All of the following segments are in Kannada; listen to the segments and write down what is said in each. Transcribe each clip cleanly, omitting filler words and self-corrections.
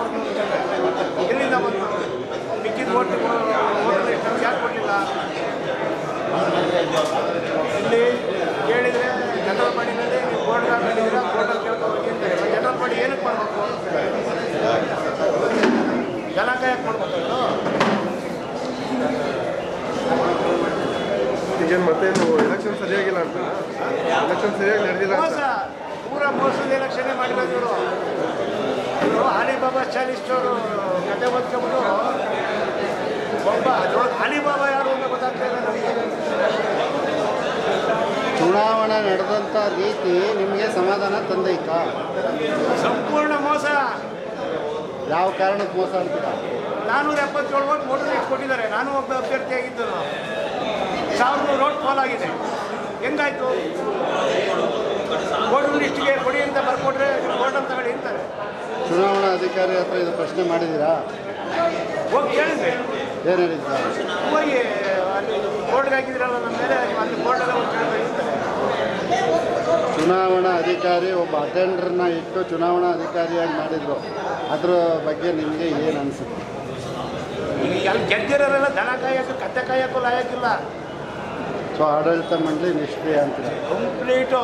ಅವ್ರನ್ನ ಎಲ್ಲಿಂದ ಬಂತು ಮಿಕ್ಕಿದ ಓಟು ಎಷ್ಟು ಯಾಕೆ ಕೊಡಲಿಲ್ಲ ಇಲ್ಲಿ ಕೇಳಿದರೆ ಜನರಲ್ ಬಾಡಿನಲ್ಲಿ ನೀವು ಬೋರ್ಡ್ ಹಾಕಿದ್ದೀರಾ ಬೋರ್ಡಲ್ಲಿ ಕೇಳ್ಕೊಂಡು ಹೋಗಿ ಅಂತಾರೆ ಜನರಲ್ ಬಾಡಿ ಏನಕ್ಕೆ ಮಾಡಬೇಕು ಜನಾಂಗ ಯಾಕೆ ಮಾಡ್ಬೇಕು ಇದು ಈಗ ಮತ್ತೆ ಎಲೆಕ್ಷನ್ ಸರಿಯಾಗಿಲ್ಲ ಅಂತ ಎಲೆಕ್ಷನ್ ಸರಿಯಾಗಿ ನಡೆದಿಲ್ಲ ಮೋಸ ಪೂರ ಮೋಸದ ಎಲೆಕ್ಷನ್ನೇ ಮಾಡಿರೋದು ಇವರು ಅಲಿಬಾಬಾ ಚಾಲಿಸ್ಟವರು ಕತೆ ಓದ್ಕೊಂಡ್ಬಿಟ್ಟು ಒಬ್ಬ ಅದ್ರೊಳಗೆ ಅಲಿಬಾಬಾ ಯಾರು ಅಂತ ಗೊತ್ತಾಗ್ತಾ ಇಲ್ಲ ನಮಗೆ ಚುನಾವಣೆ ನಡೆದಂಥ ರೀತಿ ನಿಮಗೆ ಸಮಾಧಾನ ತಂದೈತಾ? ಸಂಪೂರ್ಣ ಮೋಸ. ಯಾವ ಕಾರಣಕ್ಕೆ ಮೋಸ ಅಂತೀರಾ? 477 ಓಟ್ ವೋಟರ್ ಲಿಸ್ಟ್ ಕೊಟ್ಟಿದ್ದಾರೆ. ನಾನು ಒಬ್ಬ ಅಭ್ಯರ್ಥಿಯಾಗಿದ್ದರು. 1100 ಓಟ್ ಫಾಲ್ ಆಗಿದೆ. ಹೆಂಗಾಯ್ತು? ವೋಟರ್ ಲಿಸ್ಟ್ಗೆ ಕೊಡಿ ಅಂತ ಬರ್ಕೊಟ್ರೆ ವೋಟ್ ಅಂತ ತಗೊಳ್ಳಿ ಅಂತಾರೆ. ಚುನಾವಣಾ ಅಧಿಕಾರಿ ಹತ್ರ ಇದು ಪ್ರಶ್ನೆ ಮಾಡಿದ್ದೀರಾ? ಹೋಗಿ ಕೇಳಿದ್ರೆ ಏನು ಹೇಳಿದ್ದೀರಾ? ಹೋಗಿ ಅಲ್ಲಿ ಬೋರ್ಡ್ಗೆ ಹಾಕಿದ್ರಲ್ಲ ನಮ್ಮ ಮೇಲೆ ಅಲ್ಲಿ ಬೋರ್ಡೆಲ್ಲ ಒಂದು ಕೇಳ್ತಾರೆ. ಚುನಾವಣಾ ಅಧಿಕಾರಿ ಒಬ್ಬ ಅಟೆಂಡರ್ನ ಇಟ್ಟು ಚುನಾವಣಾ ಅಧಿಕಾರಿಯಾಗಿ ಮಾಡಿದರು. ಅದರ ಬಗ್ಗೆ ನಿಮಗೆ ಏನು ಅನಿಸುತ್ತೆ? ಈಗ ಅಲ್ಲಿ ಗೆದ್ದಿರೋರೆಲ್ಲ ದನ ಕಾಯಕ್ಕೆ ಕತ್ತೆ ಕಾಯಕ್ಕೂ ಲಾಯಕ್ಕಿಲ್ಲ. ಸೊ ಆಡಳಿತ ಮಂಡಳಿ ನಿಷ್ಕ್ರಿಯ ಅಂತೀರ? ಕಂಪ್ಲೀಟು.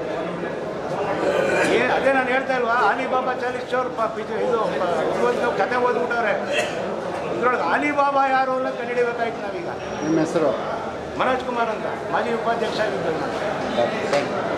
ಅದೇ ನಾನು ಹೇಳ್ತಾ ಇಲ್ವಾ, ಅಲಿಬಾಬಾ ಚಾಲಿಸ್ಟವ್ರು ಇದು ಕತೆ ಓದ್ಬಿಟ್ಟವ್ರೆ. ಇದ್ರೊಳಗೆ ಅಲಿಬಾಬಾ ಯಾರು ಅಂತ ಕಂಡುಹಿಡಿಬೇಕಾಯ್ತು ನಾವೀಗ. ನಿಮ್ಮ ಹೆಸರು? ಮನೋಜ್ ಕುಮಾರ್ ಅಂತ, ಮಾಜಿ ಉಪಾಧ್ಯಕ್ಷ ಆಗಿದ್ದರು ನಾನು.